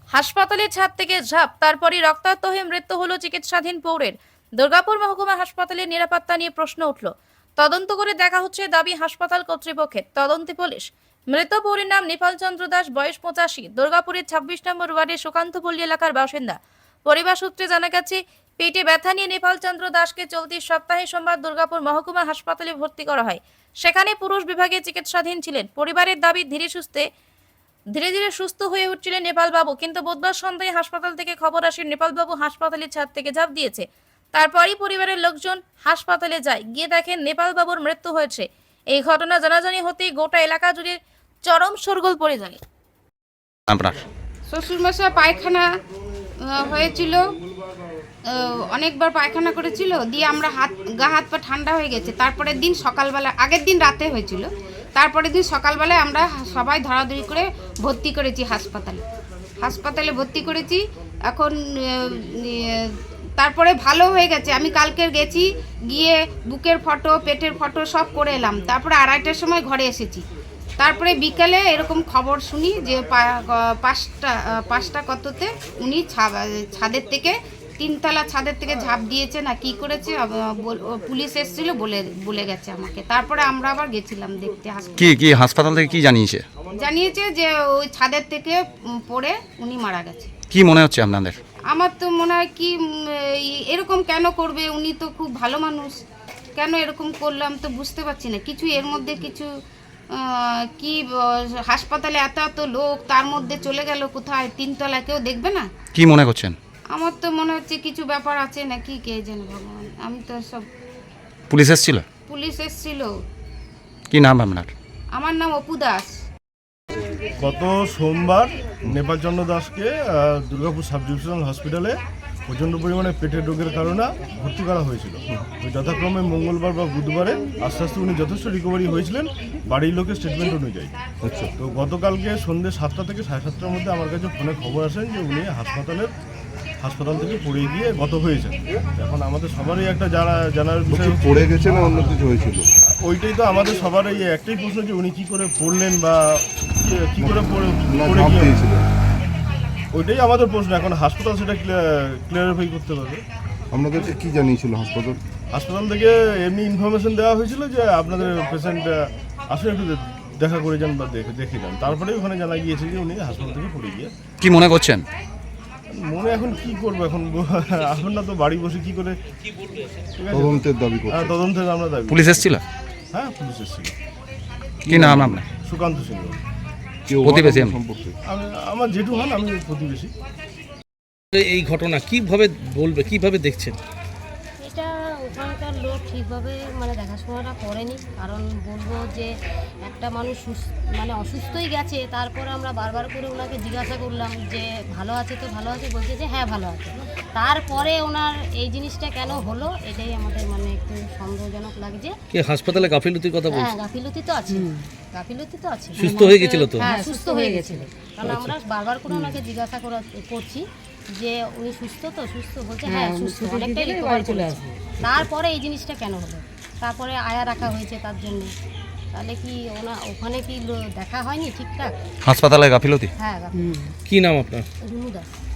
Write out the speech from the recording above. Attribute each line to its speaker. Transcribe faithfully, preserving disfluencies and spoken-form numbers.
Speaker 1: হাসপাতালের ছাদ থেকে ঝাঁপ, তারপরই রক্তাক্ত হয়ে মৃত্যু হলো চিকিৎসাধীন পৌরের। দুর্গাপুর মহকুমা হাসপাতালের নিরাপত্তা নিয়ে প্রশ্ন উঠল। তদন্ত করে দেখা হচ্ছে দাবি হাসপাতাল কর্তৃপক্ষের। তদন্তে পুলিশ। মৃত পৌরের নাম নেপাল চন্দ্র দাস, বয়স পঁচাশি, দুর্গাপুরের ছাব্বিশ নম্বর ওয়ার্ডের সুকান্তপল্লী এলাকার বাসিন্দা। পরিবার সূত্রে জানা গেছে, পেটে ব্যথা নিয়ে নেপাল চন্দ্র দাসকে চলতি সপ্তাহে সোমবার দুর্গাপুর মহকুমা হাসপাতালে ভর্তি করা হয়। সেখানে পুরুষ বিভাগে চিকিৎসাধীন ছিলেন। পরিবারের দাবি, ধীরে সুস্থে ধীরে ধীরে সুস্থ হয়ে উঠছিলেন নেপালবাবু, কিন্তু বুধবার সন্ধ্যায় হাসপাতাল থেকে খবর আসে নেপালবাবু হাসপাতালের ছাদ থেকে ঝাঁপ দিয়েছে। তারপরই পরিবারের লোকজন হাসপাতালে যায়, গিয়ে দেখেন নেপালবাবুর মৃত্যু হয়েছে। এই ঘটনা জানাজানি হতেই গোটা এলাকা জুড়ে চরম শোরগোল পড়ে যায়।
Speaker 2: আপনার
Speaker 3: শ্বশুরমশাই পায়খানা আহ, হয়েছিল, আহ, অনেকবার পায়খানা করেছিল, দিয়ে আমরা হাত গা হাত পা ঠান্ডা হয়ে গেছে। তারপরের দিন সকালবেলা, আগের দিন রাতে হয়েছিল, তারপরের দিন সকালবেলায় আমরা সবাই ধরাধরি করে ভর্তি করেছি হাসপাতালে হাসপাতালে ভর্তি করেছি। এখন আহ, আহ, তারপরে ভালো হয়ে গেছে। আমি কালকে গেছি, গিয়ে বুকের ফটো, পেটের ফটো সব করে এলাম। তারপরে আড়াইটার সময় ঘরে এসেছি। তারপরে বিকালে এরকম খবর শুনি যে পা- পাঁচটা পাঁচটা কততে উনি ছা- ছাদের থেকে, তিনতলা ছাদের থেকে ঝাঁপ দিয়েছে না কি করেছে, আব- বল- ও পুলিশ এসেছিল, বলে বলে গেছে আমাকে। তারপরে আমরা আবার গেছিলাম দেখতে হাসপাতালে।
Speaker 2: কি কি হাসপাতাল থেকে কি জানিয়েছে?
Speaker 3: জানিয়েছে যে ওই ছাদের থেকে উম, পড়ে উনি মারা গেছে।
Speaker 2: কি মনে হচ্ছে আপনাদের?
Speaker 3: আমার তো মনে হয় কি উম, এই- এরকম কেন করবে, উনি তো খুব ভালো মানুষ, কেন এরকম করলাম তো বুঝতে পারছি না কিছু। এর মধ্যে কিছু আহ, কি আহ, হাসপাতালে এত এত লোক, তার মধ্যে চলে গেল কোথায়, তিনতলা, কেউ দেখবে না?
Speaker 2: কি মনে করছেন?
Speaker 3: আমার তো মনে হচ্ছে কিছু ব্যাপার আছে নাকি, কে জানে ভগবান। আমি তো সব,
Speaker 2: পুলিশ এসেছিল?
Speaker 3: পুলিশ এসেছিল।
Speaker 2: কি নাম আপনার?
Speaker 3: আমার নাম অপু দাস।
Speaker 4: গত সোমবার নেপালচন্দ্র দাসকে আহ, দুর্গাপুর সাব ডিভিশনাল হসপিটালে প্রচণ্ড পরিমাণে পেটের রোগের কারণে ভর্তি করা হয়েছিল। তো যথাক্রমে মঙ্গলবার বা বুধবারে আস্তে আস্তে উনি যথেষ্ট রিকভারি হয়েছিলেন বাড়ির লোকের স্টেটমেন্ট অনুযায়ী। আচ্ছা, তো গতকালকে সন্ধ্যে সাতটা থেকে সাড়ে সাতটার মধ্যে আমার কাছে ফোনে খবর আসেন যে উনি হাসপাতালের হাসপাতাল থেকে পড়ে গিয়ে গত হয়েছেন। এখন আমাদের সবারই একটা জানা জানার বিষয় হচ্ছে,
Speaker 5: পড়ে গেছে না অন্য কিছু হয়েছিল?
Speaker 4: ওইটাই তো আমাদের সবার এই একটাই প্রশ্ন যে উনি কী করে পড়লেন বা কি- কি করে পড়ে
Speaker 5: না
Speaker 4: পড়ে
Speaker 5: ঝাঁপ
Speaker 4: গিয়ে,
Speaker 5: দিয়েছিল?
Speaker 4: ওইটাই আমাদের প্রশ্ন। এখন হাসপাতাল সেটা ক্লিয়ারিফাই করতে পারবে।
Speaker 5: আপনাদেরকে কি জানিয়েছিল হাসপাতাল?
Speaker 4: হাসপাতাল থেকে এমনি ইনফরমেশন দেওয়া হয়েছিল যে আপনাদের পেশেন্ট আসলে একটু দে- দেখা করে যান বা দেখে দেখে যান। তারপরে ওখানে জানা গিয়েছে যে উনি হাসপাতাল থেকে পড়ে গিয়ে।
Speaker 2: কি মনে করছেন?
Speaker 4: মনে এখন কি করবো, এখন এখন না তো বাড়ি বসে কি করে, ঠিক আছে?
Speaker 5: তদন্তের দাবি
Speaker 4: হ্যাঁ,
Speaker 5: করছে।
Speaker 4: তদন্তের আমরা দাবি।
Speaker 2: পুলিশ এসেছিল?
Speaker 4: হ্যাঁ, পুলিশ এসেছিল।
Speaker 2: কি নাম আপনার?
Speaker 4: সুকান্ত সিংহ।
Speaker 5: কেউ
Speaker 2: প্রতিবেশী আমি।
Speaker 5: সম্পর্কে
Speaker 4: আমি আমার জেঠু হন, আমি প্রতিবেশী।
Speaker 6: এই ঘটনা কিভাবে বলবে, কিভাবে দেখছেন?
Speaker 7: এটা ওখানকার লোক ঠিকভাবে মানে দেখাশোনাটা করেনি। কারণ বলবো যে একটা মানুষ সুস- মানে অসুস্থই গেছে, তারপরে আমরা বারবার করে ওনাকে জিজ্ঞাসা করলাম যে ভালো আছে তো, ভালো আছে, বলছে যে হ্যাঁ ভালো আছে। তারপরে ওনার এই জিনিসটা কেন হলো, এটাই আমাদের মানে একটু সন্দেহজনক লাগছে।
Speaker 6: কি হাসপাতালে গাফিলতির কথা
Speaker 7: হ্যাঁ,
Speaker 6: বলছে?
Speaker 7: গাফিলতি তো আছে, গাফিলতি তো আছে।
Speaker 6: সুস্থ হয়ে গেছিল তো?
Speaker 7: হ্যাঁ, সুস্থ হয়ে গেছিল। কারণ আমরা বারবার করে ওনাকে জিজ্ঞাসা করা করছি যে উনি সুস্থ তো, সুস্থ, বলছে হ্যাঁ সুস্থ, অনেকটাই রিকভার চলে আসবে। তারপরে এই জিনিসটা কেন হলো, তারপরে আয়া রাখা হয়েছে তার জন্য। তাহলে কি ওনা ওখানে কি লো- দেখা হয়নি ঠিকঠাক?
Speaker 2: হাসপাতালে গাফিলতি?
Speaker 7: হ্যাঁ, গাফিলতি।
Speaker 6: কি নাম আপনার?
Speaker 7: রুনু দাস।